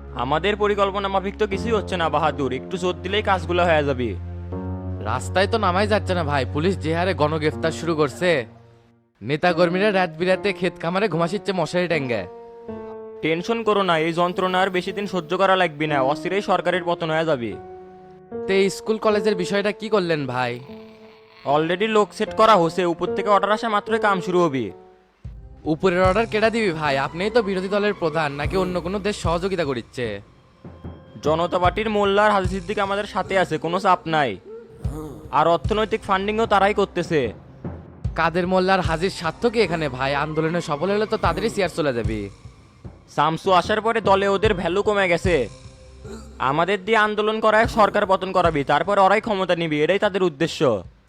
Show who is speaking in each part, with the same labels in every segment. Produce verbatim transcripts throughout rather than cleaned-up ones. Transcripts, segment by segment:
Speaker 1: আমাদের পরিকল্পনা মাফিক তো কিছুই হচ্ছে না বাহাদুর, একটু জোর দিলেই কাজগুলো হয়ে যাবে।
Speaker 2: রাস্তায় তো নামাই যাচ্ছে না ভাই, পুলিশ যে হারে গণগ্রেফতার শুরু করছে। নেতাকর্মীরা রাত বিরাতে ক্ষেত খামারে ঘুমাসিচ্ছে মশারি ট্যাঙ্গে।
Speaker 1: টেনশন করো না, এই যন্ত্রণা আর বেশি দিন সহ্য করা লাগবে না, অচিরেই সরকারের পতন হয়ে যাবে।
Speaker 2: তে স্কুল কলেজের বিষয়টা কি করলেন ভাই?
Speaker 1: অলরেডি লোক সেট করা হয়েছে, উপর থেকে অর্ডার আসা মাত্রই কাম শুরু হবে।
Speaker 2: উপরের অর্ডার কেডা দিবি ভাই? আপনিই তো বিরোধী দলের প্রধান, নাকি অন্য কোনো দেশ সহযোগিতা করছে?
Speaker 1: জনতা পার্টির মোল্লার হাজি সিদ্দিক আমাদের সাথে আছে, কোনো চাপ নাই। আর অর্থনৈতিক ফান্ডিংও তারাই করতেছে।
Speaker 2: কাদের মোল্লার হাজির স্বার্থ কি এখানে ভাই? আন্দোলনে সফল হলে তো তাদেরই চেয়ার চলে যাবে।
Speaker 1: সামসু আসার পরে দলে ওদের ভ্যালু কমে গেছে। আমাদের দিয়ে আন্দোলন করায় সরকার পতন করাবি, তারপর ওরাই ক্ষমতা নিবি, এটাই তাদের উদ্দেশ্য।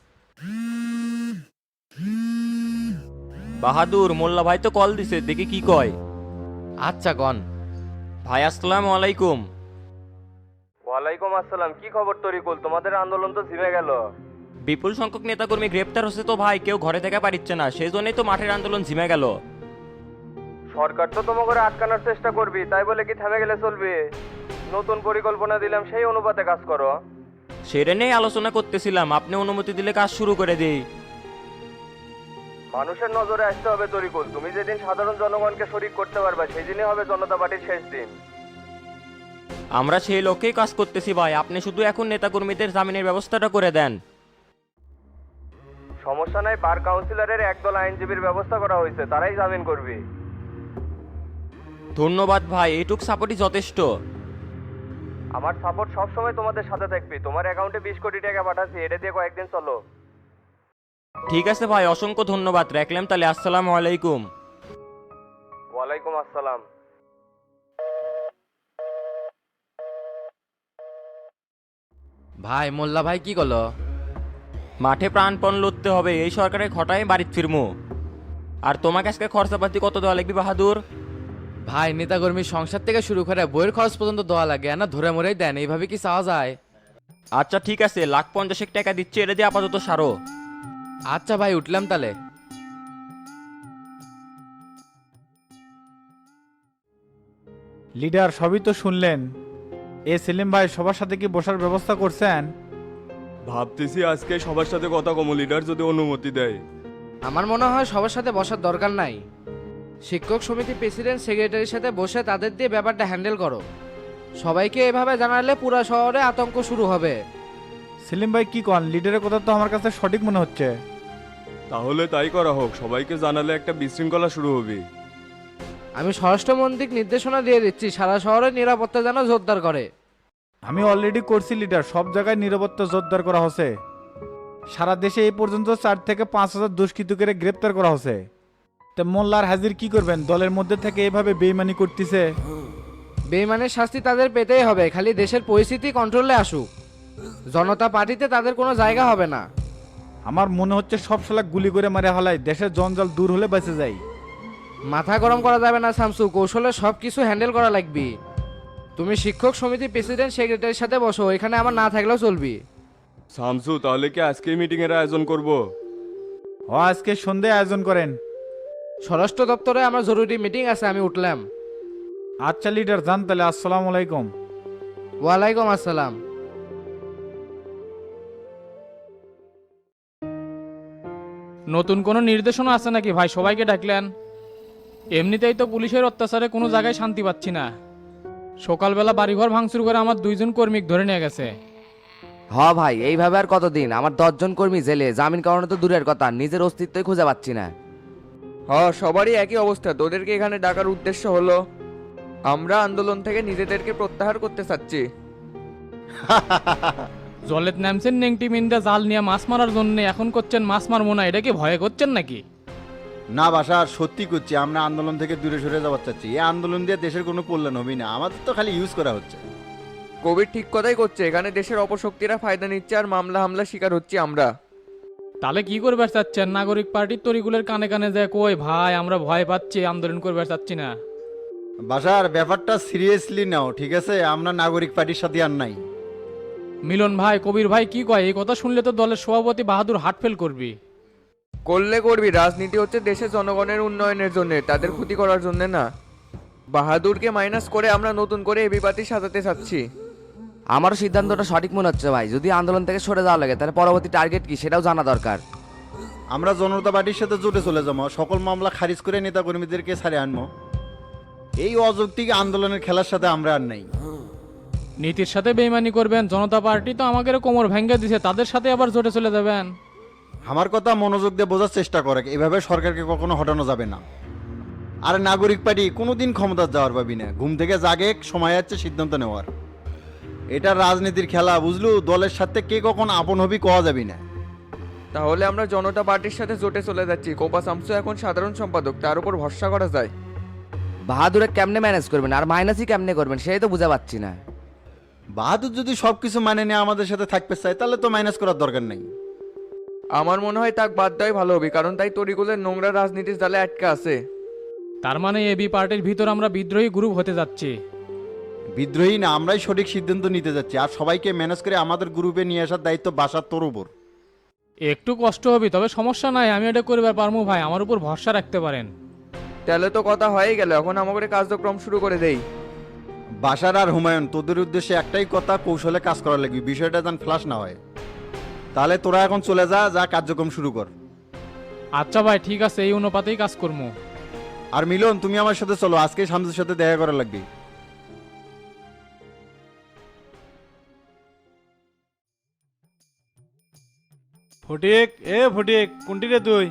Speaker 1: বাহাদুর, মোল্লা ভাই তো কল দিছে, দেখি কি কয়।
Speaker 2: আচ্ছা কন।
Speaker 1: ভাই আসসালামু আলাইকুম।
Speaker 3: ওয়ালাইকুম আসসালাম। কি খবর তরিকুল, তোমাদের আন্দোলন তো ঝিমে গেল।
Speaker 1: বিপুল সংখ্যক নেতাকর্মী গ্রেপ্তার হচ্ছে তো ভাই, কেউ ঘরে থেকে পারিচ্ছে না, সেই জন্যই তো মাঠের আন্দোলন ঝিমে গেল।
Speaker 3: সরকার তো তোমাকে আটকানোর চেষ্টা করবি, তাই বলে কি থেমে গেলে চলবে? নতুন পরিকল্পনা দিলাম, সেই অনুপাতে কাজ করো।
Speaker 1: সেটা নিয়েই আলোচনা করতেছিলাম, আপনি অনুমতি দিলে কাজ শুরু করে দিই।
Speaker 3: মানুষের নজরে আসতে হবে তরিকুল, তুমি যেদিন সাধারণ জনগণকে শরিক করতে পারবে সেই দিনই হবে জনতা পার্টির শেষ দিন।
Speaker 1: আমরা সেই লক্ষ্যেই কাজ করতেছি ভাই, আপনি শুধু এখন নেতাকর্মীদের জামিনের ব্যবস্থাটা করে দেন।
Speaker 3: সমস্যা নাই, বার কাউন্সিলরের একদল আইনজীবীর ব্যবস্থা করা হয়েছে, তারাই জামিন করবে।
Speaker 1: ধন্যবাদ ভাই, এইটুক সাপোর্টই যথেষ্ট।
Speaker 3: আমার সাপোর্ট সবসময় তোমাদের সাথে থাকবে। তোমার অ্যাকাউন্টে বিশ কোটি টাকা পাঠাচ্ছি, এটা দিয়ে কয়েকদিন চলো।
Speaker 1: ঠিক আছে ভাই, অসংখ্য ধন্যবাদ, রাখলাম তাহলে। আসসালামু আলাইকুম।
Speaker 3: ওয়ালাইকুম আসসালাম।
Speaker 2: ভাই মোল্লা ভাই কি করলো?
Speaker 1: মাঠে প্রাণপণ লড়তে হবে, এই সরকারের ঘটায় বাড়িতে ফিরমু। আর তোমাকে আজকে খরচাপাতি কত দেওয়া লাগবে বাহাদুর?
Speaker 2: ভাই নেতাকর্মী সংসার থেকে শুরু করে বইয়ের খরচ পর্যন্ত দেওয়া লাগে, না ধরে মরেই দেন, এইভাবে কি চাওয়া যায়?
Speaker 1: আচ্ছা ঠিক আছে, লাখ পঞ্চাশেক টাকা দিচ্ছে, এটা দিয়ে আপাতত সারো।
Speaker 2: আচ্ছা ভাই, উঠলাম তাহলে।
Speaker 4: লিডার, সবই তো শুনলেন। এ সেলিম ভাই, সবার সাথে কি বসার ব্যবস্থা করছেন?
Speaker 5: ভাবতেছি আজকে সবার সাথে কথা কম, লিডার যদি অনুমতি দেয়।
Speaker 6: আমার মনে হয় সবার সাথে বসার দরকার নাই। শিক্ষক সমিতি প্রেসিডেন্ট সেক্রেটারির সাথে বসে তাদের দিয়ে ব্যাপারটা হ্যান্ডেল করো। সবাইকে এভাবে জানালে পুরো শহরে আতঙ্ক শুরু হবে।
Speaker 4: সেলিম ভাই কি কন? লিডারের কথা তো আমার কাছে সঠিক মনে হচ্ছে।
Speaker 5: তাহলে তাই করা হোক, সবাইকে জানালে একটা বিশৃঙ্খলা শুরু হবে।
Speaker 6: আমি স্বরাষ্ট্রমন্ত্রীকে নির্দেশনা দিয়ে দিচ্ছি সারা শহরে নিরাপত্তা যেন জোরদার করে।
Speaker 4: আমি অলরেডি করছি লিডার, সব জায়গায় নিরাপত্তা জোরদার করা হচ্ছে। সারা দেশে এই পর্যন্ত চার থেকে পাঁচ হাজার দুষ্কৃতকে গ্রেপ্তার করা হচ্ছে। তা মোল্লার হাজির কি করবেন? দলের মধ্যে থেকে এভাবে বেইমানি করতেছে।
Speaker 6: বেইমানের শাস্তি তাদের পেতেই হবে, খালি দেশের পরিস্থিতি কন্ট্রোলে আসুক। জনতা পার্টিতে তাদের কোনো জায়গা হবে না।
Speaker 4: আমার মনে হচ্ছে সব শালা গুলি করে মারে হালাই, দেশের জঞ্জাল দূর হলে বেঁচে যায়।
Speaker 6: মাথা গরম করা যাবে না শামসু, কৌশলে সব কিছু হ্যান্ডেল করা লাগবে। তুমি শিক্ষক সমিতি প্রেসিডেন্ট সেক্রেটারির সাথে বসো, এখানে আমার না থাকলেও চলবে।
Speaker 5: শামসু, তাহলে কি আজকে মিটিং এর আয়োজন করব?
Speaker 4: ও, আজকে সন্ধ্যায় আয়োজন করেন।
Speaker 6: স্বরাষ্ট্র দপ্তরে আমার জরুরি মিটিং আছে, আমি উঠলাম।
Speaker 4: আচ্ছা লিডার, যান তাহলে। আসসালামু আলাইকুম।
Speaker 6: ওয়ালাইকুম আসসালাম।
Speaker 7: নতুন কোনো নির্দেশনা আছে নাকি ভাই? সবাইকে ডাকলেন? এমনিতেই তো পুলিশের অত্যাচারে কোনো জায়গায় শান্তি পাচ্ছি না। সকালবেলা বাড়িঘর ভাঙচুর করে আমার দুইজন কর্মীকে ধরে নিয়ে গেছে।
Speaker 8: হ ভাই, এইভাবে আর কতদিন? আমার দশজন কর্মী জেলে, জামিন করানো তো দূরের কথা, নিজের অস্তিত্বই খুঁজে পাচ্ছি না।
Speaker 9: হ্যাঁ, সবারই একই অবস্থা। তোদেরকে এখানে ডাকার উদ্দেশ্য হলো আমরা আন্দোলন থেকে নিজেদেরকে প্রত্যাহার করতে চাচ্ছি।
Speaker 7: জলেত নামছেন নেংটি মিন্দা জাল নিয়ে মাছ মারার জন্য, এখন করছেন মাছ মারবো না, এটা কি ভয়ে করছেন নাকি?
Speaker 10: না বাসার, সত্যি করছি, আমরা আন্দোলন থেকে দূরে সরে যাওয়ার চাচ্ছি। এই আন্দোলন দিয়ে দেশের কোনো কল্যাণ হবে না, আমাদের তো খালি ইউজ করা হচ্ছে।
Speaker 9: কবির ঠিক কথাই করছে, এখানে দেশের অপশক্তিরা ফায়দা নিচ্ছে আর মামলা হামলা শিকার হচ্ছি আমরা।
Speaker 7: তাহলে কি করবে চাচ্ছেন? নাগরিক পার্টির তরিগুলের কানে কানে যায় কই ভাই আমরা ভয় পাচ্ছি, আন্দোলন করবে চাচ্ছি না।
Speaker 10: বাসার, ব্যাপারটা সিরিয়াসলি নাও, ঠিক আছে? আমরা নাগরিক পার্টির সাথে আর নাই।
Speaker 7: মিলন ভাই, কবির ভাই কি কয়? এই কথা শুনলে তো দলের সভাপতি বাহাদুর হার্ট ফেল করবি।
Speaker 9: করলে করবি, রাজনীতি হচ্ছে দেশের জনগণের উন্নয়নের জন্য, তাদের ক্ষতি করার জন্য না। বাহাদুরকে মাইনাস করে আমরা নতুন করে এবি পার্টি সাজাতে চাচ্ছি।
Speaker 8: আমারও সিদ্ধান্তটা সঠিক মনে হচ্ছে ভাই, যদি আন্দোলন থেকে সরে যাওয়া লাগে তাহলে পরবর্তী টার্গেট কি সেটাও জানা দরকার।
Speaker 10: আমরা জনতা পার্টির সাথে জোটে চলে যাবো, সকল মামলা খারিজ করে নেতা কর্মীদেরকে ছাড়ে আনবো। এই অযৌক্তিক আন্দোলনের খেলার সাথে আমরা আর নাই।
Speaker 7: নীতির সাথে বেইমানি করবেন? জনতা পার্টি তো আমাদের কোমর ভেঙে দিছে, তাদের সাথে আবার জোটে চলে যাবেন?
Speaker 10: আমার কথা মনোযোগ দিয়ে বোঝার চেষ্টা করে, এভাবে সরকারকে কখনো হটানো যাবে না। আর নাগরিক পার্টি কোনোদিন ক্ষমতা যাওয়ার পাবি না, ঘুম থেকে জাগে সময় আছে সিদ্ধান্ত নেওয়ার। এটা রাজনীতির খেলা, বুঝলু? দলের সাথে কে কখন আপন হবি কোয়া যাবি না।
Speaker 9: তাহলে আমরা জনতা পার্টির সাথে জোটে চলে যাচ্ছি। কোপা শামসু এখন সাধারণ সম্পাদক, তার উপর ভরসা করা যায়।
Speaker 8: বাহাদুরে কেমনে ম্যানেজ করবেন আর মাইনাসই কেমনে করবেন সেই তো বুঝা পাচ্ছি না।
Speaker 10: বাহাদুর যদি সবকিছু মানে নিয়ে আমাদের সাথে থাকতে চায় তাহলে তো মাইনাস করার দরকার নেই।
Speaker 9: আমার মনে হয় তাক বাদ দেওয়াই ভালো হবে, কারণ তাই তরিকুলের নোংরা রাজনীতির জালে আটকে আছে।
Speaker 7: তার মানে এবি পার্টির ভিতর আমরা বিদ্রোহী গ্রুপ হতে যাচ্ছি?
Speaker 10: বিদ্রোহী না, আমরাই সঠিক সিদ্ধান্ত নিতে যাচ্ছি। আর সবাইকে ম্যানেজ করে আমাদের গ্রুপে নিয়ে আসার দায়িত্ব বাসার তোর উপর।
Speaker 7: একটু কষ্ট হবে, তবে সমস্যা নাই, আমি এটা করবার পারবো ভাই, আমার উপর ভরসা রাখতে পারেন।
Speaker 9: তাহলে তো কথা হয়ে গেল, এখন আমাদের কার্যক্রম শুরু করে দেই।
Speaker 10: বাসার আর হুমায়ুন, তোদের উদ্দেশ্যে একটাই কথা, কৌশলে কাজ করা লাগবে, বিষয়টা যেন ফ্লাশ না হয়। তাহলে তোরা এখন চলে যা, যা কার্যক্রম শুরু কর।
Speaker 7: আচ্ছা ভাই ঠিক আছে, এই অনুপাতেই কাজ করবো।
Speaker 10: আর মিলন, তুমি আমার সাথে চলো, আজকে শামসুর সাথে দেখা করা লাগবে।
Speaker 4: ফটিক, এ ফটিক, কোনটি রে তুই?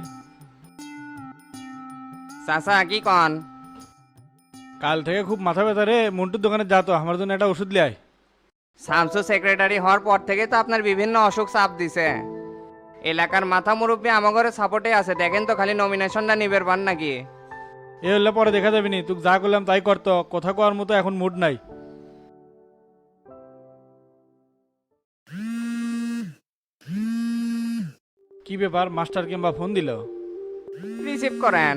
Speaker 11: চাচা কি কন?
Speaker 4: কাল থেকে খুব মাথা ব্যথা রে, মন্টুর দোকানে যা তো, আমার জন্য একটা ওষুধ লিয়াই।
Speaker 11: শামসু সেক্রেটারি হওয়ার পর থেকে তো আপনার বিভিন্ন অসুখ চাপ দিছে। এলাকার মাথা মুরব্বী আমাগরে সাপোর্টে আছে, দেখেন তো খালি নমিনেশনটা নিবের পান নাকি?
Speaker 4: এ হলে পরে দেখা যাবে নি, তুই যা করলাম তাই করতো, কথা কওয়ার মতো এখন মুড নাই। কি ব্যাপার, মাস্টার কিংবা ফোন দিল?
Speaker 11: রিসিভ করেন।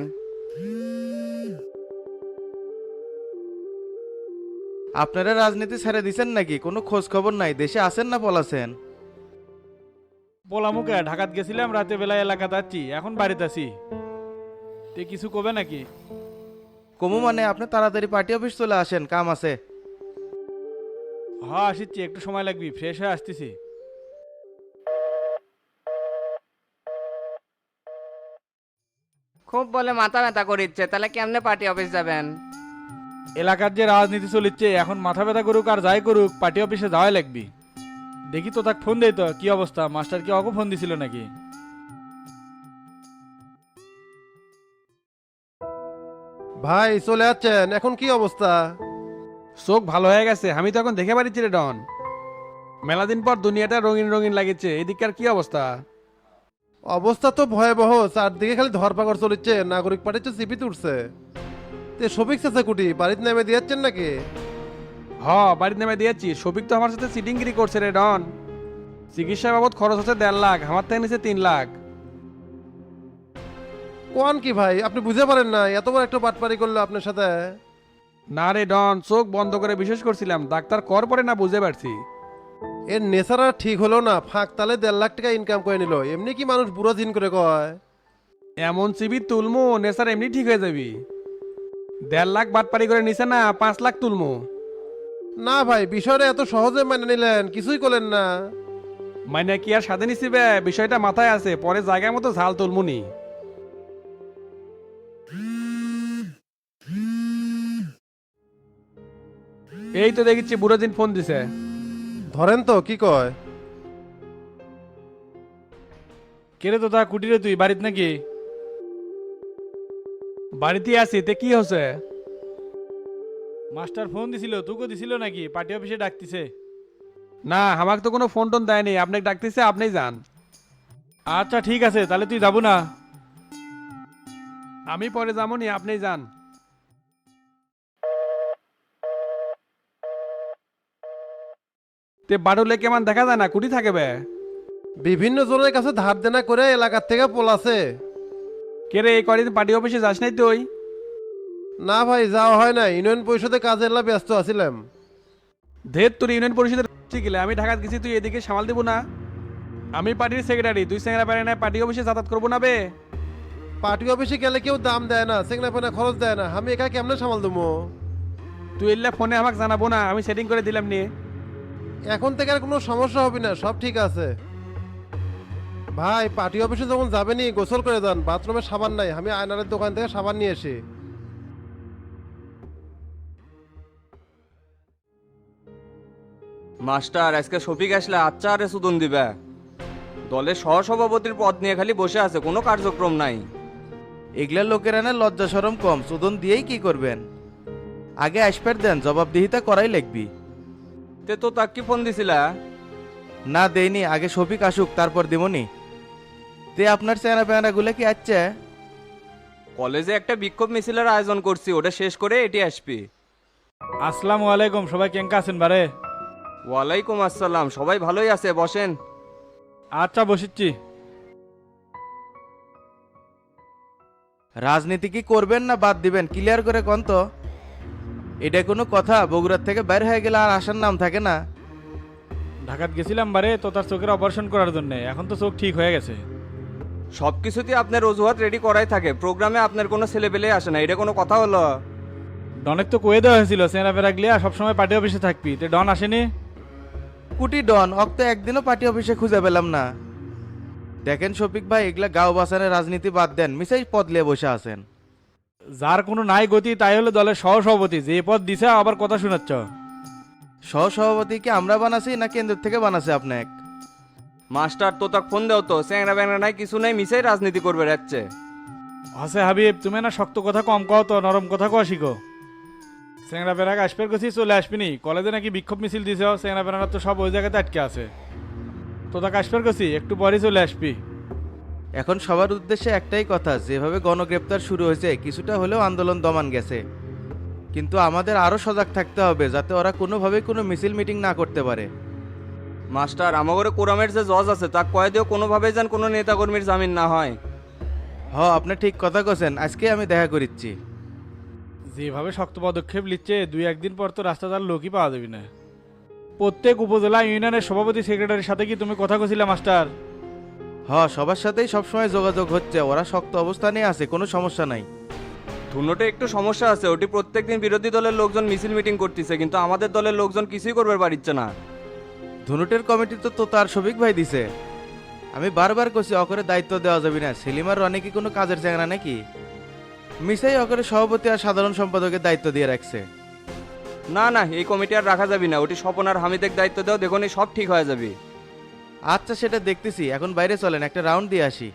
Speaker 12: আপনারা রাজনীতি ছেড়ে দিছেন নাকি? কোনো খোঁজ খবর নাই, দেশে আছেন না পলাছেন?
Speaker 4: পোলামুকে ঢাকাত গেছিলাম, রাতে বেলায় এলাকাতে আছি, এখন বাড়িতে আছি। তে কিছু কবে নাকি?
Speaker 12: কমু মানে আপনি তাড়াতাড়ি পার্টি অফিস চলে আসেন, কাম আছে।
Speaker 4: হ্যাঁ আসিচ্ছি, একটু সময় লাগবে, ফ্রেশ হয়ে আসতেছি।
Speaker 11: খুব বলে মাথা ব্যথা করিচ্ছে, তাহলে কেমনে পার্টি অফিস যাবেন?
Speaker 4: এলাকার যে রাজনীতি চলিচ্ছে, এখন মাথা ব্যথা করুক আর যাই করুক, পার্টি অফিসে যাওয়াই লাগবে। দেখি তো তাকে ফোন দেই তো, কি অবস্থা, মাস্টার কি অগো ফোন দিছিল নাকি?
Speaker 12: ভাই চলে যাচ্ছেন, এখন কি অবস্থা?
Speaker 13: চোখ ভালো হয়ে গেছে, আমি তো এখন দেখে পারিছি রে ডন। মেলা দিন পর দুনিয়াটা রঙিন রঙিন লাগেছে। এদিককার কি অবস্থা?
Speaker 12: অবস্থা তো ভয়াবহ, চারদিকে খালি ধরপাকড় চলেছে, নাগরিক পার্টি তো চিপি তুলছে। তে শফিক চাচা কুটি বাড়িতে নেমে দিয়েছেন নাকি?
Speaker 13: হ, বাড়ির নামে দিয়েছি। শফিক তো আমার সাথে সিটিংগিরি করছে রে ডন। চিকিৎসা বাবদ খরচ হচ্ছে দেড় লাখ, আমার থেকে নিচে তিন লাখ।
Speaker 12: কোন কি ভাই, আপনি বুঝতে পারেন না? এত বড় একটা বাটপারি করলো আপনার সাথে।
Speaker 13: না রে ডন, চোখ বন্ধ করে বিশেষ করছিলাম, ডাক্তার কর পরে না বুঝতে পারছি।
Speaker 12: এর নেশারা ঠিক হলো না, ফাঁক তালে দেড় লাখ টাকা ইনকাম করে নিল। এমনি কি মানুষ বুড়ো দিন করে কয়?
Speaker 13: এমন চিবি তুলমু, নেশার এমনি ঠিক হয়ে যাবি। দেড় লাখ বাটপারি করে নিছে না, পাঁচ লাখ তুলমু।
Speaker 12: না ভাই, বিষয়টা এত সহজে মেনে নিলেন, কিছুই করলেন না।
Speaker 13: মানে কি আর সাথে নিছিবে, বিষয়টা মাথায় আছে, পরে জায়গায় মতো ঝাল তুলমুনি। এই তো দেখছি বুড়ো দিন ফোন দিছে।
Speaker 12: ধরেন তো, কি কয়?
Speaker 4: কেরে তো তা কুটিরে, তুই বাড়িতে নাকি?
Speaker 13: বাড়িতে আছি, তে কি হচ্ছে?
Speaker 4: মাস্টার ফোন দিছিল, তোকে দিছিল নাকি? পার্টি অফিসে ডাকতিছে।
Speaker 13: না, আমাকে তো কোনো ফোন টোন দেয়নি, আপনাকে ডাকতেছে, আপনি যান।
Speaker 4: আচ্ছা ঠিক আছে, তাহলে তুই যাবো না?
Speaker 13: আমি পরে যাবো নি, আপনি যান। তে বাড়ুলে কেমন দেখা যায় না, কুটি থাকে বে?
Speaker 12: বিভিন্ন জনের কাছে ধার দেনা করে এলাকার থেকে পোলাছে।
Speaker 13: কে রে, এই কদিন পার্টি অফিসে যাস নাই তুই?
Speaker 12: না ভাই, যাওয়া হয় না, ইউনিয়ন পরিষদে কাজের লা ব্যস্ত আছিলাম।
Speaker 13: ধের তোর ইউনিয়ন পরিষদের গেলে আমি ঢাকাত গেছি, তুই এদিকে সামাল দিব না? আমি পার্টির সেক্রেটারি, তুই সেংরা পারে না পার্টি অফিসে যাতায়াত করবো না বে?
Speaker 12: পার্টি অফিসে গেলে কেউ দাম দেয় না, সেখানে পানা খরচ দেয় না, আমি একা কেমনে সামাল দেবো?
Speaker 13: তুই এলে ফোনে আমাকে জানাবো না, আমি সেটিং করে দিলাম নিয়ে।
Speaker 12: এখন থেকে আর কোনো সমস্যা হবে না, সব ঠিক আছে। ভাই পার্টি অফিসে যখন যাবেনি গোসল করে যান, বাথরুমে সাবান নাই, আমি আয়নারের দোকান থেকে সাবান নিয়ে এসি।
Speaker 9: মাস্টার আজকে শফিক আসলে আচ্ছা আরে সুদন দিবে। দলের সহসভাপতির পদ নিয়ে খালি বসে আছে, কোনো কার্যক্রম নাই।
Speaker 14: এগুলা লোকেরা না লজ্জা সরম কম, চোদন দিয়েই কি করবেন? আগে আসপার দেন, জবাবদিহিতা করাই লাগবি।
Speaker 9: তে তো তাক কি ফোন দিছিলা?
Speaker 14: না দেইনি, আগে শফিক আসুক তারপর দিমনি। তে আপনার চেহারা পেহারা গুলো কি আছে?
Speaker 9: কলেজে একটা বিক্ষোভ মিছিলের আয়োজন করছি, ওটা শেষ করে এটি আসবি।
Speaker 7: আসসালামু আলাইকুম, সবাই কেঙ্কা আছেন বারে?
Speaker 9: ওয়ালাইকুম আসসালাম, সবাই ভালোই আছে, বসেন।
Speaker 7: আচ্ছা বসিচ্ছি।
Speaker 14: রাজনীতি কি করবেন না বাদ দিবেন ক্লিয়ার করে কোন তো। এটা কোনো কথা? বগুড়ার থেকে বাইরে হয়ে গেলে আর আসার নাম থাকে না।
Speaker 7: ঢাকাত গেছিলাম বারে তো তার চোখের অপারেশন করার জন্য, এখন তো চোখ ঠিক হয়ে গেছে।
Speaker 9: সব কিছুতেই আপনার অজুহাত রেডি করাই থাকে, প্রোগ্রামে আপনার কোনো ছেলে পেলে আসে না, এটা কোনো কথা হলো?
Speaker 7: ডনেক তো কয়ে দেওয়া হয়েছিল চেনা ফেরা গিয়ে সবসময় পার্টি অফিসে থাকবি, তে ডন আসেনি।
Speaker 14: কুটি ডন অক্ত একদিনও পার্টি অফিসে খুঁজে পেলাম না। দেখেন শফিক ভাই, এগুলা গাঁও বাসানের রাজনীতি বাদ দেন, মিসাই পদ লিয়ে বসে আছেন।
Speaker 7: যার কোনো নাই গতি তাই হলো দলের সহসভাপতি, যে পদ দিছে আবার কথা শোনাচ্ছ।
Speaker 14: সহসভাপতি কি আমরা বানাছি না কেন্দ্র থেকে বানাছে আপনাকে?
Speaker 9: মাস্টার তো তাক ফোন দেও তো, স্যাংরা ব্যাংরা নাই কিছু নাই, মিসাই রাজনীতি করবে যাচ্ছে।
Speaker 7: হসে হাবিব, তুমি না শক্ত কথা কম কও তো, নরম কথা কও শিখো। চেংড়া বেড়াক আসপের গেছি চলে আসবিনি, কলেজে নাকি বিক্ষোভ মিছিল দিছে, চেংড়া বেড়ারা তো সব ওই জায়গাতে আটকে আছে। তো তাকে আসপের গেছি, একটু পরে চলে আসবি।
Speaker 14: এখন সবার উদ্দেশ্যে একটাই কথা, যেভাবে গণগ্রেপ্তার শুরু হয়েছে কিছুটা হলেও আন্দোলন দমান গেছে, কিন্তু আমাদের আরো সজাগ থাকতে হবে যাতে ওরা কোনোভাবেই কোনো মিছিল মিটিং না করতে পারে।
Speaker 9: মাস্টার আমাগরে কোরামের যে জজ আছে তা কয়ে দিও কোনোভাবেই যেন কোনো নেতাকর্মীর জামিন না হয়।
Speaker 14: হ আপনি ঠিক কথা কছেন, আজকে আমি দেখা করিচ্ছি।
Speaker 7: যেভাবে শক্ত পদক্ষেপ নিচ্ছে দুই একদিন পর তো রাস্তাটার লোকই পাওয়া যাবে না। প্রত্যেক উপজেলা ইউনিয়নের সভাপতি সেক্রেটারির সাথে কি তুমি কথা কছিলা মাস্টার?
Speaker 14: হ সবার সাথেই সবসময় যোগাযোগ হচ্ছে, ওরা শক্ত অবস্থানে আছে, কোনো সমস্যা নাই।
Speaker 9: ধুনোটে একটু সমস্যা আছে, ওটি প্রত্যেকদিন বিরোধী দলের লোকজন মিছিল মিটিং করতেছে, কিন্তু আমাদের দলের লোকজন কিছুই করবে পারিচ্ছে না।
Speaker 14: ধনুটের কমিটি তো তো তার শফিক ভাই দিছে। আমি বারবার কছি অকরে দায়িত্ব দেওয়া যাবে না, সেলিমার রনি কি কোনো কাজের চ্যাংরা নাকি? মিসাই অকরে সভাপতি আর সাধারণ সম্পাদকের দায়িত্ব দিয়ে রাখছে।
Speaker 9: না না, এই কমিটি আর রাখা যাবে না, ওটি স্বপন আর হামিদের দায়িত্ব দাও, দেখুন সব ঠিক হয়ে যাবে।
Speaker 14: আচ্ছা সেটা দেখতেছি, এখন বাইরে চলেন একটা রাউন্ড দিয়ে আসি।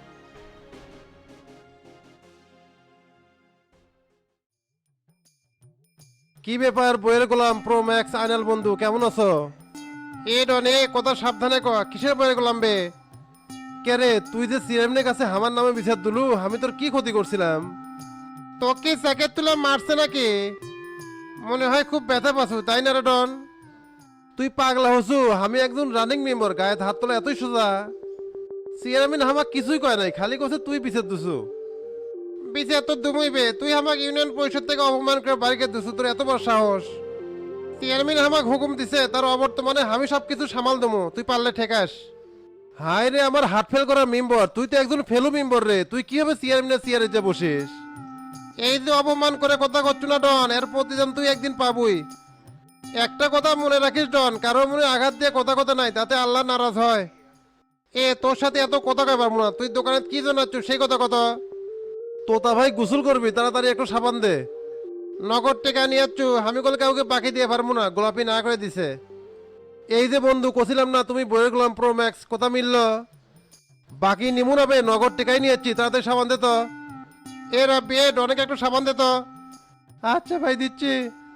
Speaker 12: কি ব্যাপার বইয়ের গোলাম প্রো ম্যাক্স আইনাল বন্ধু, কেমন আছো? এ ডনে কথা সাবধানে ক, কিসের বইয়ের গোলাম বে? কে রে, তুই যে সিএমনের কাছে আমার নামে বিচার দিলু, আমি তোর কি ক্ষতি করছিলাম? তোকে জ্যাকেট তুলে মারছে নাকি? মনে হয় খুব ব্যথা পাচ্ছু তাই না রে ডন? তুই পাগলা হসু, আমি একজন রানিং মেম্বার, গায়ে হাত তোলা এতই সোজা। চেয়ারম্যান আমাকে কিছুই কয় নাই, খালি কছে তুই বিচার দিছু। বিচার তো দুমইবে, তুই আমাকে ইউনিয়ন পরিষদ থেকে অপমান করে বাড়িকে দিছু, তোর এত বড় সাহস? চেয়ারম্যান আমাকে হুকুম দিছে, তার অবর্তমানে আমি সব কিছু সামাল দেবো, তুই পারলে ঠেকাস। হাই রে আমার হার্ট ফেল করার মেম্বার, তুই তো একজন ফেলু মেম্বার রে, তুই কিভাবে চেয়ারম্যানের চেয়ারে যে বসিস? এই যে অপমান করে কথা করছু না ডন, এর প্রতিদান তুই একদিন পাবই। একটা কথা মনে রাখিস ডন, কারো মনে আঘাত দিয়ে কথা কথা নাই, তাতে আল্লাহ নারাজ হয়। এ তোর সাথে এত কথা কয় পারবো না, তুই দোকানে কি জানাচ্ছ সেই কথা কথা। তোতা ভাই গোসল করবি, তাড়াতাড়ি একটু সাবান দে। নগদ টেকা নিয়ে যাচ্ছ, আমি কল কাউকে বাকি দিয়ে পারবো না, গোলাপি না করে দিছে। এই যে বন্ধু কছিলাম না তুমি বইয়ের গোলাম প্রো ম্যাক্স, কথা মিলল? বাকি নিমু না বে, নগদ টেকাই নিয়ে যাচ্ছি, তাড়াতাড়ি সাবান দে তো। এ রাব্বি এ অনেক একটু সাবান দে তো। আচ্ছা ভাই দিচ্ছি।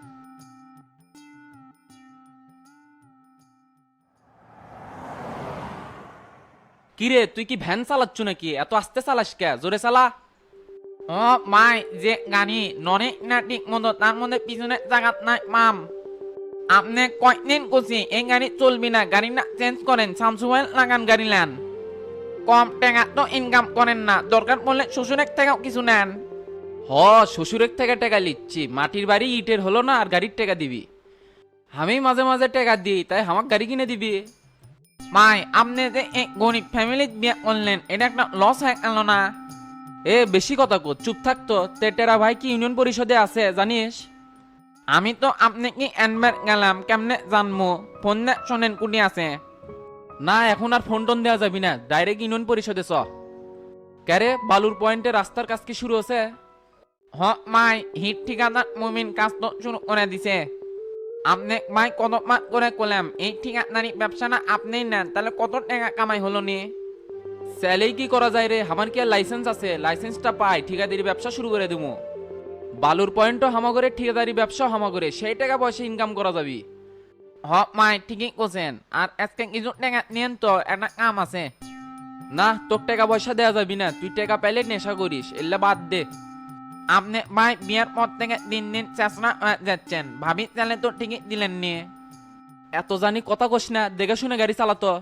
Speaker 15: কিরে তুই কি ভ্যান চালাচ্ছ নাকি? এত আস্তে চালাস কে? জোরে চালা। ও মাই যে গাড়ি ননে না ঠিক মতো, তার মধ্যে পিছনে জায়গা নাই মাম। আপনি কয়দিন করছি এই গাড়ি চলবি না, গাড়ি না চেঞ্জ করেন, সামসুয়েল লাগান গাড়ি নেন। কম টাকা তো ইনকাম করেন না, দরকার পড়লে শ্বশুরের থেকেও কিছু নেন। হ শ্বশুরের থেকে টাকা লিচ্ছি, মাটির বাড়ি ইটের হলো না আর গাড়ির টাকা দিবি? আমি মাঝে মাঝে টাকা দিই, তাই আমার গাড়ি কিনে দিবি? মাই আপনি যে এক গরিব ফ্যামিলি বিয়ে করলেন, এটা একটা লস হয়ে গেল না? এ বেশি কথা কর, চুপ থাকতো। তেটেরা ভাই কি ইউনিয়ন পরিষদে আছে জানিস? আমি তো আপনি কি এনবার গেলাম কেমনে জানবো ফোন না শোনেন কুটি আছে
Speaker 2: না এখন আর ফোন টোন দেওয়া যাবি না, ডাইরেক্ট ইউনিয়ন পরিষদে চ। ক্যারে বালুর পয়েন্টে রাস্তার কাজ কি শুরু হচ্ছে?
Speaker 15: হ মাই হিট ঠিকাদার মুমিন কাজ তো শুরু করে দিছে। আপনি মাই কত মাস করে করলাম এই ঠিকাদারি ব্যবসা না আপনি নেন তাহলে কত টাকা কামাই হলো নি?
Speaker 2: স্যালেই কি করা যায় রে, আমার কি আর লাইসেন্স আছে? লাইসেন্সটা পাই ঠিকাদারি ব্যবসা শুরু করে দেবো। বালুর পয়েন্টও হামাগরে, ঠিকাদারি ব্যবসা হামাগরে, সেই টাকা পয়সা ইনকাম করা যাবি।
Speaker 15: হ মাই ঠিকই করছেন। আর আজকে কিছু টাকা নিয়েন তো একটা কাম আছে।
Speaker 2: না তোর টাকা পয়সা দেওয়া যাবি না, তুই টাকা পাইলে নেশা করিস, এলে বাদ দে।
Speaker 15: আপনি ভাই বিয়ের পর থেকে দিন দিন চেষ্টা যাচ্ছেন, ভাবি তাহলে তো ঠিকই দিলেন নিয়ে।
Speaker 2: এত জানি কথা কস না, দেখে শুনে গাড়ি চালাতো।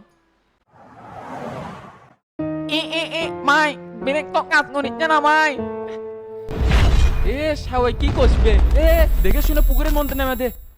Speaker 15: এ এ এ মাই ব্রেক তো কাজ করিচ্ছে না ভাই।
Speaker 2: এ সাওয়াই কি কষবে, এ দেখে শুনে পুকুরের মধ্যে নেমে দে।